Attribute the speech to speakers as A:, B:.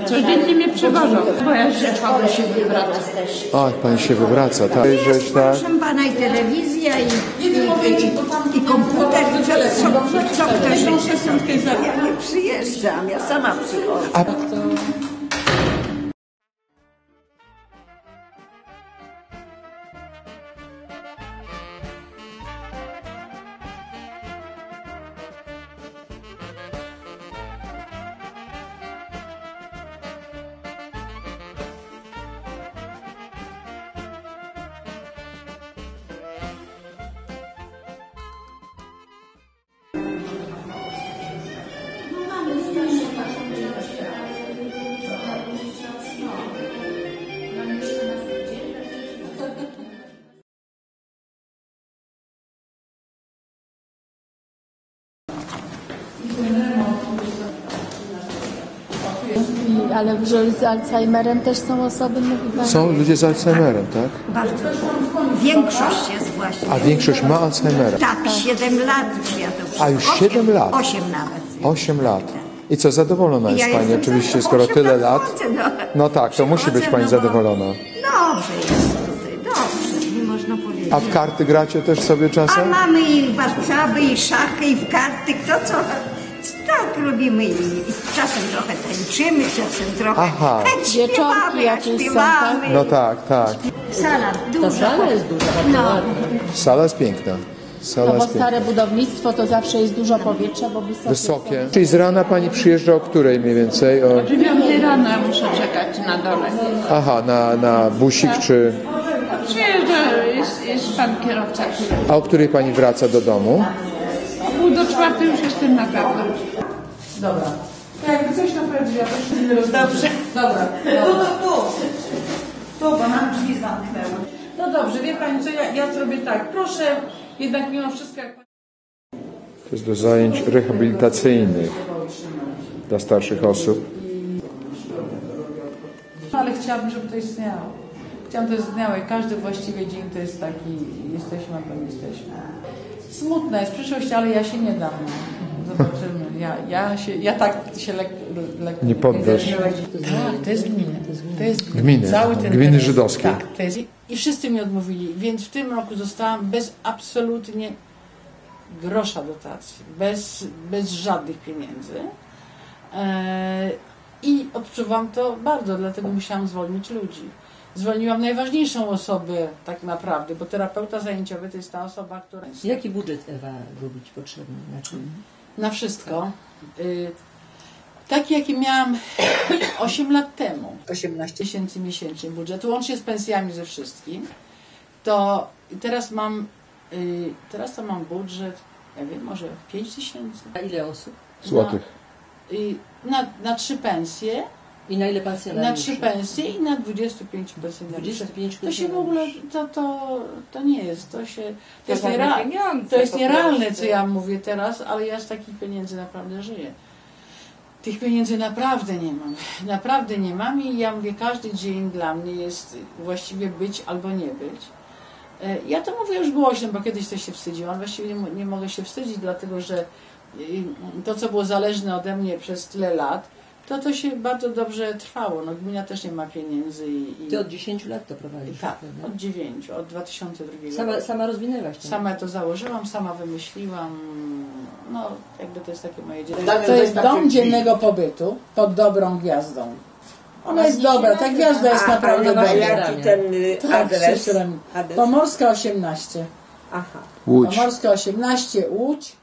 A: Codziennie mnie przywożą, bo ja rzeczowo się wywracam.
B: A, pani się wywraca, tak?
C: Jest, proszę pana, i telewizja, i komputer, co ktoś chce. Ja nie przyjeżdżam, ja sama przychodzę.
D: Ale z Alzheimerem też są osoby, mówi pani?
B: Są ludzie z Alzheimerem, tak?
C: Bardzo. Większość jest właśnie.
B: A większość ma Alzheimera?
C: Tak, 7 lat już ja to
B: A już 7 lat?
C: 8 nawet.
B: 8 lat. I co, zadowolona jest
C: Ja
B: pani
C: jestem
B: oczywiście,
C: zadowolona.
B: skoro tyle lat?
C: Przychodzę,
B: No tak, to musi być pani zadowolona.
C: Dobrze jest tutaj, dobrze, nie można powiedzieć.
B: A w karty gracie też sobie
C: A
B: czasem?
C: mamy i warcaby, i szachy, i w karty, kto co. Tak robimy i czasem trochę tańczymy, czasem trochę
B: Aha.
C: śpiewamy,
D: Wieczorki jakieś są,
C: śpiewamy.
B: No tak, tak.
C: Sala duża.
D: Ta sala jest duża.
C: No.
B: Sala jest piękna. Sala
D: No bo
B: jest piękna.
D: stare budownictwo to zawsze jest dużo powietrza, bo
B: Wysokie. Czyli z rana pani przyjeżdża o której mniej więcej? O...
A: 9 rano muszę czekać na dole.
B: Aha, na busik czy...
A: Przyjeżdża, jest pan kierowca, który
B: A o której pani wraca do domu?
A: o 3:30 już jestem na pewno.
E: Dobra. Jakby coś naprawdę, ja też nie rozumiem. Dobrze. Dobra. Tu, bo nam drzwi zamknęły. No dobrze, wie pani co, ja zrobię tak. Proszę, jednak mimo wszystko, jak pani...
B: To jest do zajęć rehabilitacyjnych dla starszych osób.
E: Ale chciałabym, żeby to istniało. Chciałabym, to istniało i każdy właściwie dzień to jest taki, jesteśmy albo nie jesteśmy. Smutna jest przyszłość, ale ja się nie dam. Zobaczymy. Ja tak się lekko...
B: Nie poddasz.
E: Tak, to jest gmina. To jest
B: Gminy,
E: cały ten
B: gminy
E: teren.
B: żydowskie.
E: Tak, to jest. I wszyscy mi odmówili, więc w tym roku zostałam bez absolutnie grosza dotacji, bez żadnych pieniędzy. I odczuwam to bardzo, dlatego musiałam zwolnić ludzi. Zwolniłam najważniejszą osobę tak naprawdę, bo terapeuta zajęciowy to jest ta osoba, która...
F: Jaki budżet, Ewa, robić potrzebny? Znaczy...
E: Na wszystko. Taki, jaki miałam 8 lat temu. 18 tysięcy miesięcznie budżetu, łącznie z pensjami ze wszystkim. To teraz to mam budżet, ja wiem, może 5 tysięcy.
F: A ile osób?
B: Złotych.
E: Na 3 pensje.
F: I na ile pensjonariuszy?
E: Na 3 pensje i na 25 pensjonariuszy.
F: 25
E: to się w ogóle, to nie jest, to jest
A: pieniądze,
E: nierealne, co ja mówię teraz, ale ja z takich pieniędzy naprawdę żyję. Tych pieniędzy naprawdę nie mam i ja mówię, każdy dzień dla mnie jest właściwie być albo nie być. Ja to mówię już głośno, bo kiedyś to się wstydziłam, właściwie nie mogę się wstydzić, dlatego że to, co było zależne ode mnie przez tyle lat, to się bardzo dobrze trwało. No, gmina też nie ma pieniędzy.
F: Ty od 10 lat to prowadzisz?
E: Tak,
F: prawda?
E: od 9, od 2002 roku.
F: Sama rozwinęłaś to?
E: Sama to założyłam, sama wymyśliłam. No, jakby to jest takie moje dziecko. To jest dom dziennego pobytu pod dobrą gwiazdą. Ona jest dobra, ta gwiazda jest naprawdę dobra.
G: Jaki ten adres?
E: Pomorska 18.
G: Aha.
B: Łódź.
E: Pomorska 18, Łódź.